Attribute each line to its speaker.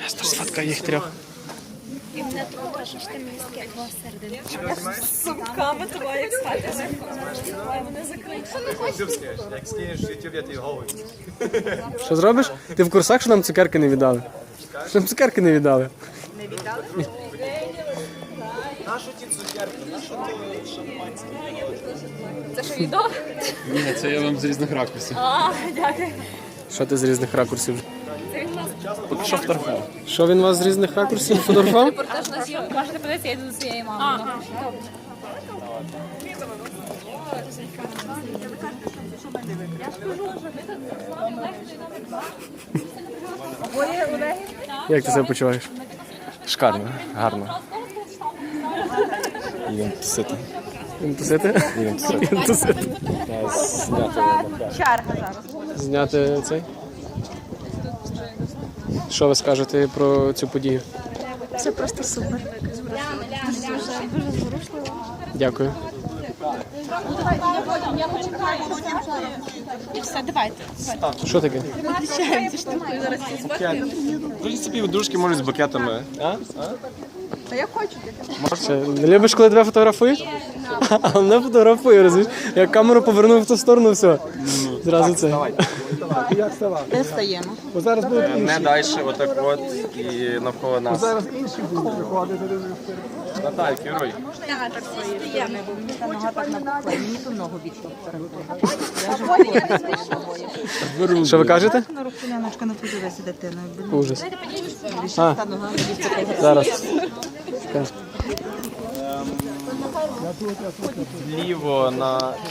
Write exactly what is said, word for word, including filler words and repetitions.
Speaker 1: Нестор сфоткає їх трьох.
Speaker 2: І мене трохи, що ж ти мені скидував середину.
Speaker 3: З сумками твоя як спати. Вони закриті.
Speaker 4: Як скинеш в ютуб, я тобі голову.
Speaker 1: Що зробиш? Ти в курсах, що нам цукерки не віддали? Що нам цукерки не віддали?
Speaker 4: Нащо ті цукерки? Нащо то шампанське?
Speaker 3: Це що, відео?
Speaker 5: Ні, це я вам з різних ракурсів.
Speaker 3: А, дякую.
Speaker 1: Що ти з різних ракурсів?
Speaker 3: Це він нас
Speaker 5: Поки що фотографував.
Speaker 1: Що він вас з різних ракурсів фотографував?
Speaker 3: репортаж на зйомку. Можете подивитися, я йду до своєї мами.
Speaker 1: Як ти себе почуваєш?
Speaker 5: Шикарно, гарно. Їдемо тусити.
Speaker 1: Він тусити?
Speaker 5: Їдемо тусити.
Speaker 1: Він тусити.
Speaker 5: Я зняти макляж.
Speaker 1: Зняти цей? Що ви скажете про цю подію?
Speaker 2: Це просто супер. Дуже, дуже зворушливо.
Speaker 1: Дякую.
Speaker 2: І все, давайте.
Speaker 1: Що таке?
Speaker 2: Відчаємо цю штуку зараз.
Speaker 5: В принципі, дружки можуть з букетами. А?
Speaker 1: Це, не любиш, коли тебе фотографують? А мене фотографує, розумієш? Я камеру повернув в ту сторону, все. Зразу це.
Speaker 6: Де стаємо?
Speaker 1: Бо зараз буде
Speaker 5: Не далі, отак от і навколо нас.
Speaker 1: зараз інші будуть приходити.
Speaker 5: Наталь, керуй.
Speaker 6: Стаємо, бо мені та нога так напухла, і мені ту ногу відтоптала. Я вже хворію.
Speaker 1: Що ви кажете?
Speaker 6: На руку Яночка не подивися дитиною.
Speaker 1: Ужас.
Speaker 6: А. Та нога відтоптала.
Speaker 1: Зараз.
Speaker 5: Ліво на